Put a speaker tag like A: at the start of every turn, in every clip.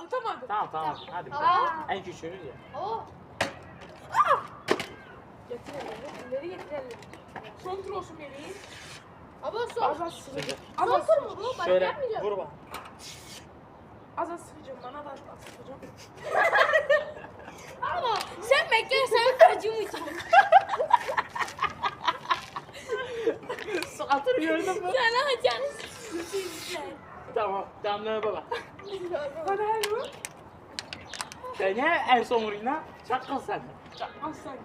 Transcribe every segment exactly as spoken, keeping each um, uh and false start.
A: Atamadım.
B: Tamam tamam hadi.
C: Aa.
B: En küçüğünüz ya.
C: Oo.
A: Getir elleri. Elleri getir elleri. Son tur olsun bebeğim.
C: Ama son.
A: Az az sıkacağım. Az
C: Son
A: az
C: tur mu
A: sıkacağım.
C: bu? Başka
B: Şöyle
C: yapmayacağım.
B: vur bak.
A: Az az sıkacağım. Bana da az az sıkacağım.
C: Ama sen bekle, sen acımayacağım.
B: Atır gördün mü?
C: Sen acıyacaksın.
B: Tamam. Tamam ne baba.
A: Hadi hadi bu.
B: Sen ne en son vurayım lan? Çakal sen.
A: Al sen.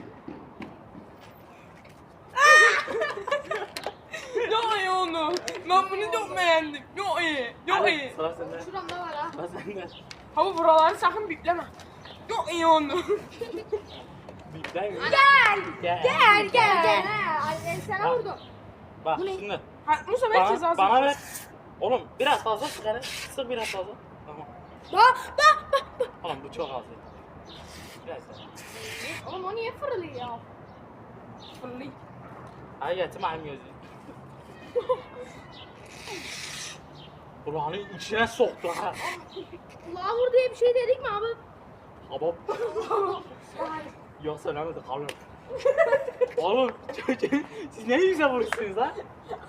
A: Yok iyi onu. Ben bunu çok beğendim. Yok iyi. Yok
B: Hadi,
A: iyi.
B: sıra sende.
C: Şuramda var ha.
B: Sıra sende.
A: Hava buraları sakın bipleme. Yok iyi onu.
B: Bipten mi?
C: Gel.
B: Gel.
C: Gel gel. Gel. Ay ben sana
B: Ha.
C: vurdum.
B: Bak
C: Bu ne?
B: şimdi.
A: Ha, Musa ben cezası.
B: Bana, bana ver. Oğlum biraz fazla sık hele. Sık biraz fazla. Tamam.
C: Bak bak bak bak.
B: Oğlum bu çok az ya. Biraz daha.
C: Oğlum o niye fırlıyor?
A: Fırlayın.
B: Ay getir benim gözüm. Kulağını içine soktu ha.
C: Kulağa vur diye bir şey dedik mi abi?
B: Habab. Yok söylemedi kalır. Oğlum siz ne güzel vurursunuz lan.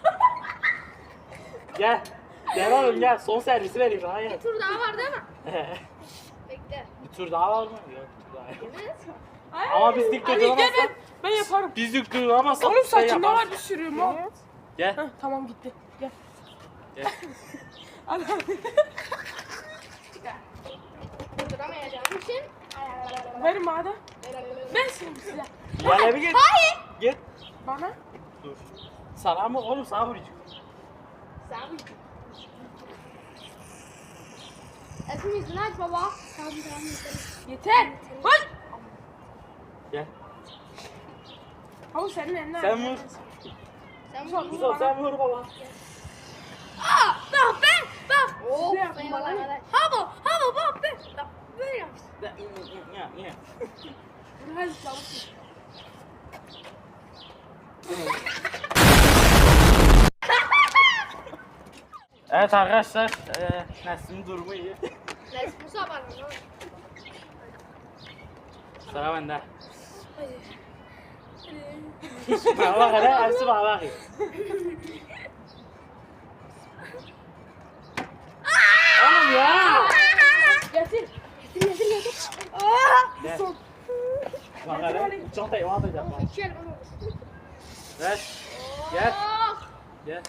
B: Gel. Gel oğlum gel. Son servisi vereyim daha
C: Bir
B: gel.
C: tur daha var değil mi? Bekle.
B: Bir tur daha var mı? Yok bir tur daha yok.
C: Evet.
A: Ay,
B: Ama biz dik
A: hadi gel
B: durduramazsak-
A: ben, ben yaparım.
B: Biz dik duramazsak
A: Oğlum
B: şey
A: saçında
B: yaparız.
A: var bir sürü mal.
B: Gel.
A: Heh, tamam gitti. Gel.
B: Gel.
A: Hadi hadi.
C: Durduramayacağım için.
A: Verin bana. Ben şimdi size.
B: Gel bir git.
C: Hayır.
B: Git.
A: Bana.
B: Dur. Sana mı? Oğlum sana vuracağım.
C: Sen Esin yüzünü aç baba. Tamam tamam yeter.
A: Yeter. Hadi.
B: Gel.
A: Hava senin eline.
B: Sen vur.
C: Sen
A: Vur.
C: vur.
B: Musa sen vur baba.
C: Aa, bak ben bak. Oh,
A: Ne yaptın bana?
C: Ha bu, ha bu bak ben. Bak, böyle yap.
B: Ya, ya, ya.
A: Hadi çabuk.
B: Evet arkadaşlar, e, Nesli'nin durumu iyi.
C: Neyse Musa var mı?
B: Sıra bende. Bana bak hele, hepsi bana bakıyor. Oğlum ya!
A: Getir.
C: Getir getir getir.
B: Gel. Bak hele, çantayı bana atacağım bak.
C: İki el bana vur.
B: Ver, gel,
C: Oh.
B: gel.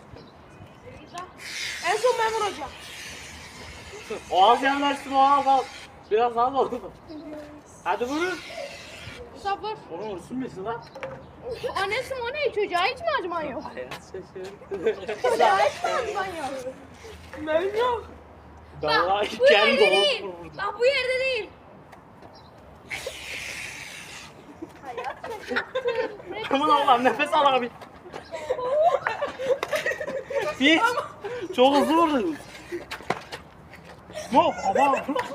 A: En son ben vuracağım.
B: O az yanlarsın, o az al. Biraz az oldu. Hadi vurun.
C: Musa vur.
B: Onu vursun musun lan?
C: Annesi o ne? Çocuğa hiç mi acıman yok?
B: Hayat şaşırdı.
C: Çocuğa hiç mi acıman yok?
A: Benim yok.
B: Vallahi
C: Bu
B: kendi
C: yerde değil.
B: doğum vurdu.
C: Bak bu yerde değil. Hayat şaşırttı.
B: Aman Allah'ım nefes al abi. Hiç. Çok hızlı vurdun. Mo, ama.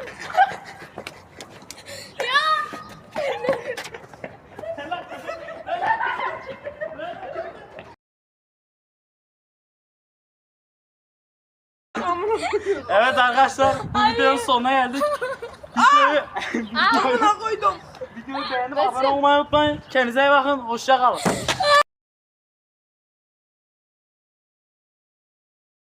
B: Evet arkadaşlar, bu videonun sonuna geldik. Videoyu, videoyu,
A: Amına koydum.
B: videoyu beğenip abone olmayı unutmayın. Kendinize iyi bakın, hoşça kalın.